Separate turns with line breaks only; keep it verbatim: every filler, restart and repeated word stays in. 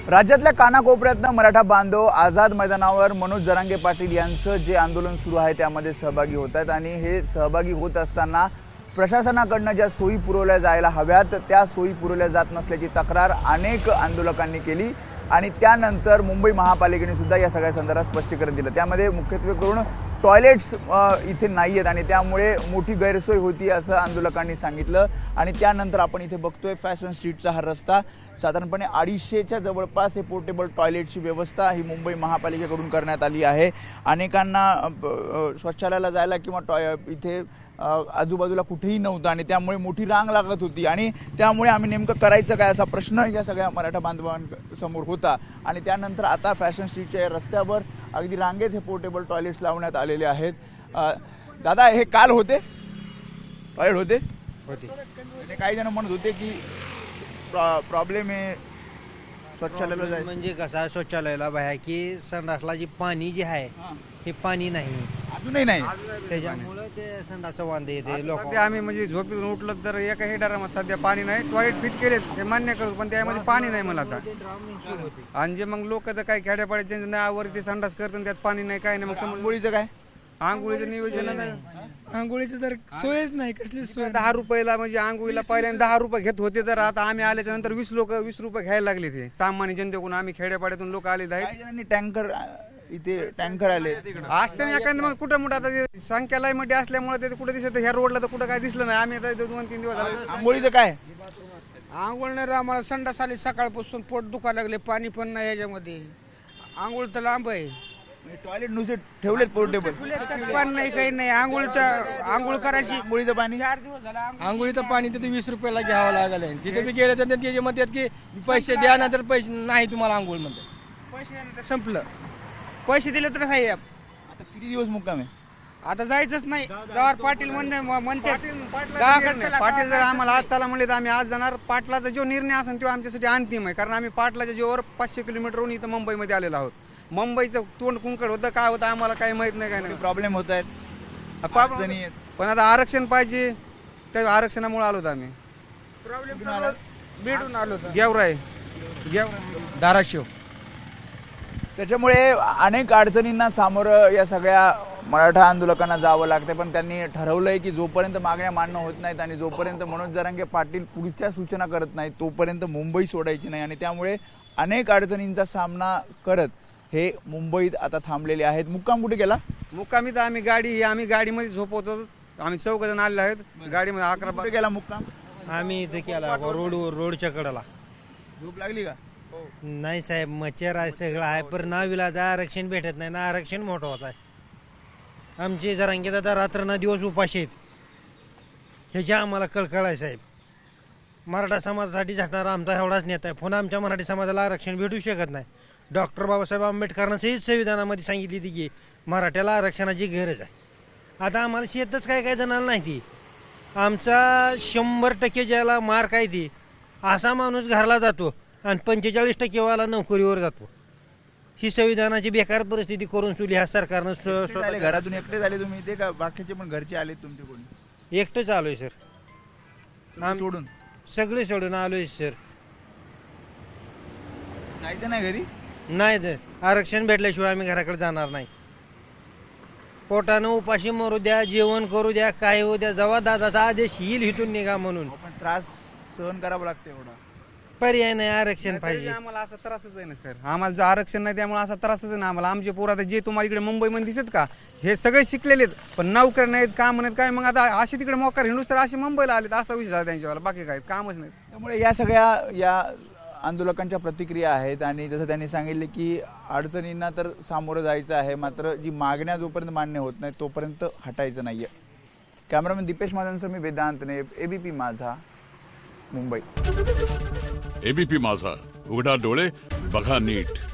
राज्यातल्या कानाकोपऱ्यातनं मराठा बांधव आझाद मैदानावर मनोज जरांगे पाटील यांचं जे आंदोलन सुरू आहे त्यामध्ये सहभागी होत आहेत आणि हे सहभागी होत असताना प्रशासनाकडनं ज्या सोयी पुरवल्या जायला हव्यात त्या सोयी पुरवल्या जात नसल्याची तक्रार अनेक आंदोलकांनी केली आणि त्यानंतर मुंबई महापालिकेने सुद्धा या सगळ्या संदर्भात स्पष्टीकरण दिलं। त्यामध्ये मुख्यत्वे करून टॉयलेट्स इथे नाही आहेत आणि त्यामुळे मोठी गैरसोय होती असं आंदोलकांनी सांगितलं। आणि त्यानंतर आपण इथे बघतोय फॅशन स्ट्रीटचा हा रस्ता साधारणपणे अडीचशेच्या जवळपास हे पोर्टेबल टॉयलेटची व्यवस्था ही मुंबई महापालिकेकडून करण्यात आली आहे। अनेकांना शौचालयाला जायला किंवा टॉय इथे आजूबाजूला कुठेही नव्हतं आणि त्यामुळे मोठी रांग लागत होती आणि त्यामुळे आम्ही नेमकं करायचं काय असा प्रश्न या सगळ्या मराठा बांधवांसमोर होता। आणि त्यानंतर आता फॅशन स्ट्रीटच्या रस्त्यावर अगदी रांगेत हे पोर्टेबल टॉयलेट्स लावण्यात आलेले आहेत। दादा हे काल होते टॉयलेट होते होते काही जण म्हणत होते की प्रॉब्लेम आहे शौचालयाला जायचं
म्हणजे कसं शौचालयाला बाहेर की संडासला जी पाणी जे आहे हे पाणी नाही
अजूनही नाही
त्याच्यामुळे ते संडासचं वांदे येते लोक।
सध्या आम्ही म्हणजे झोपेतून उठलं तर एका हेडारामध्ये सध्या पाणी नाही। टॉयलेट फिट केले ते मान्य करतो पण त्यामध्ये पाणी नाही मला आता। आणि जे मग लोक तर काय खेड्यापाड्याचे नावावर ते संडास करतात त्यात पाणी नाही काय नाही। मग
आंघोळीचं काय
आंघोळीचं नियोजन नाही
आंघोळीचं तर सोयच नाही कसली सोय।
दहा रुपयाला म्हणजे आंघोळीला पहिल्यांदा दहा रुपये घेत होते तर आता आम्ही आल्याच्या नंतर वीस लोक वीस रुपये घ्यायला लागले। ते सामान्य जनतेकडून आम्ही खेड्यापाड्यातून लोक आलेले आहेत।
काही जणांनी टँकर इथे टँकर आले
असते ना एखादं मग कुठं मोठं आता संख्या लाईमध्ये असल्यामुळे ते कुठं दिसत ह्या रोडला तर कुठं काय दिसलं नाही। आम्ही आता दोन तीन दिवस झाले
आंघोळीचं काय
आंघोळ नाही आम्हाला संडास आली सकाळपासून पोट दुखायला लागले पाणी पण नाही याच्यामध्ये आंघोळ तर लांब आहे
टॉयलेट नुसते ठेवलेत पोर्टेबल
पाणी नाही काही नाही आंघोळ तर आंघोळ करायची
आंघोळीचं पाणी
चार दिवस झाला
आंघोळीचं पाणी तिथे वीस रुपयाला घ्यावं लागलं तिथे बी गेलं तर ते म्हणतात की पैसे द्या ना तर पैसे नाही तुम्हाला आंघोळ म्हणतात
पैसे नाही तर संपलं पैसे दिले तर आहे
आता किती दिवस मुक्काम आहे
आता जायचंच नाही गावात पाटील म्हणते म्हणते
पाटील जर आम्हाला आज चला म्हणले तर आम्ही आज जाणार। पाटलाचा जो निर्णय असेल तो आमच्यासाठी अंतिम आहे कारण आम्ही पाटलाच्या जीवावर पाचशे किलोमीटरहून इथं मुंबईमध्ये आलेलो आहोत। मुंबईचं तोंड कुंकड होतं काय होतं आम्हाला काही माहित नाही काय नाही
प्रॉब्लेम होत आहेत अडचणी आहेत।
पण आता आरक्षण पाहिजे त्या आरक्षणामुळे आलो आम्ही
प्रॉब्लेम भेटून आलो होतो
गेवराय गेवराय
धाराशिव।
त्याच्यामुळे अनेक अडचणींना सामोरं या सगळ्या मराठा आंदोलकांना जावं लागतं पण त्यांनी ठरवलंय की जोपर्यंत मागण्या मान्य होत नाहीत आणि जोपर्यंत मनोज जरांगे पाटील पुढच्या सूचना करत नाहीत तोपर्यंत मुंबई सोडायची नाही। आणि त्यामुळे अनेक अडचणींचा सामना करत हे मुंबईत आता थांबलेले आहेत। मुक्काम कुठे गेला
मुक्कामी तर आम्ही गाडी आम्ही गाडीमध्ये झोपवतो। आम्ही चौघ जण आलेले आहेत गाडीमध्ये अकरा
कुठे गेला मुक्काम
आम्ही इथे केला रोड रोडच्या कडेला।
झोप लागली का
नाही साहेब मच्छर आहे सगळं आहे पण नावीला आरक्षण भेटत नाही ना आरक्षण मोठं होत आहे। आमचे जरांगे दादा रात्र ना दिवस उपाशी आहेत ह्याची आम्हाला कळकळ आहे साहेब। मराठा समाजासाठी झटणारा आमचा एवढाच नेता आहे पण आमच्या मराठी समाजाला आरक्षण भेटू शकत नाही। डॉक्टर बाबासाहेब आंबेडकरांना सहित संविधानामध्ये सांगितली होती की मराठ्याला आरक्षणाची गरज आहे। आता आम्हाला शेतच काय काय जणांना नाही ती आमचा शंभर टक्के ज्याला मार्क आहे ती असा माणूस घरला जातो आणि पंचेचाळीस टक्केवाला नोकरीवर जातो। ही संविधानाची बेकार परिस्थिती करून सुली ह्या सरकारनं
झाले घरातून एकटे झाले तुम्ही इथे का बाकीचे पण घरचे आले तुमचे कोणी
एकटंच आलोय सर
आम सोडून
सगळे सोडून आलोय सर।
जायचं नाही घरी
नाही तर आरक्षण भेटल्याशिवाय आम्ही घराकडे जाणार नाही। पोटानं उपाशी मरू द्या जेवण करू द्या काय होऊ द्या जेव्हा दादाचा आदेश येईल इथून निघा म्हणून
पण त्रास सहन करावा लागतो एवढा
पर्याय नाही आरक्षण पाहिजे।
आम्हाला असा त्रासच आहे ना सर आम्हाला जर आरक्षण नाही त्यामुळे असा त्रासच आहे ना आम्हाला। आमचे पोरं आता जे तुम्हाला इकडे मुंबईमध्ये दिसत का हे सगळे शिकलेले आहेत पण नोकऱ्या नाहीत काम नाहीत काय मग आता असे तिकडे मोकार हिंडूस तर असे मुंबईला आलेत असा विषय झाला त्यांच्यावाला बाकी काय कामच नाही।
त्यामुळे या सगळ्या या आंदोलकांच्या प्रतिक्रिया आहेत आणि जसं त्यांनी सांगितले की अडचणींना तर सामोरं जायचं आहे मात्र जी मागण्या जोपर्यंत मान्य होत नाही तोपर्यंत हटायचं नाही आहे। कॅमेरामॅन दीपेश माझांसह मी वेदांतने एबीपी माझा मुंबई।
एबीपी माझा उघडा डोळे बघा नीट।